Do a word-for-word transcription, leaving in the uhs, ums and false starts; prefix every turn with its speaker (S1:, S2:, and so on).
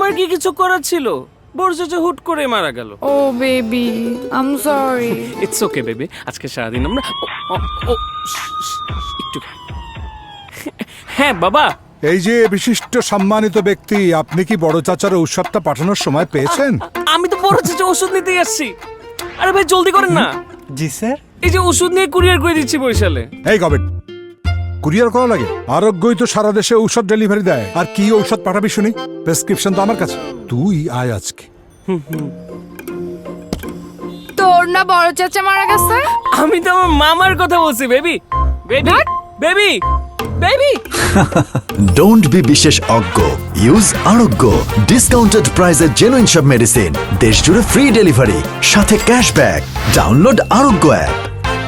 S1: আমার কি কিছু করার ছিল? বড় চাচা হুট করে মারা গেল।
S2: Oh baby, I am sorry.
S1: It's okay baby, আজকে সারাদিন আমরা ও, ও, ও, শ- শ- একটু হ্যাঁ বাবা।
S3: এই যে বিশিষ্ট সম্মানিত ব্যক্তি, আপনি কি বড় চাচার ঔষধটা পাঠানোর সময় পেয়েছেন?
S1: আমি তো বড় চাচা ওষুধ নিতেই আসছি। আরে ভাই জলদি করেন না।
S4: জি স্যার।
S1: এই যে ওষুধ নিয়ে কুরিয়ার করে দিচ্ছি বরিশালে।
S3: এই গবেট, কুরিয়ার করা লাগে? আরোগ্যই তো সারা দেশে ঔষধ ডেলিভারি দেয়। আর কি ঔষধ পাঠাবি শুনি? প্রেসক্রিপশন তো আমার কাছে। তুই আয় আজকে।
S2: তোর না বড় চাচা মারা গেছে?
S1: আমি তো আমার মামার কথা বলছি baby. Baby baby baby.
S5: Don't be বিশেষ অজ্ঞ। ইউজ আরোগ্য। ডিসকাউন্টেড প্রাইসে জেনুইন সব মেডিসিন, দেশ জুড়ে ফ্রি ডেলিভারি, সাথে ক্যাশব্যাক। Download Arogya app.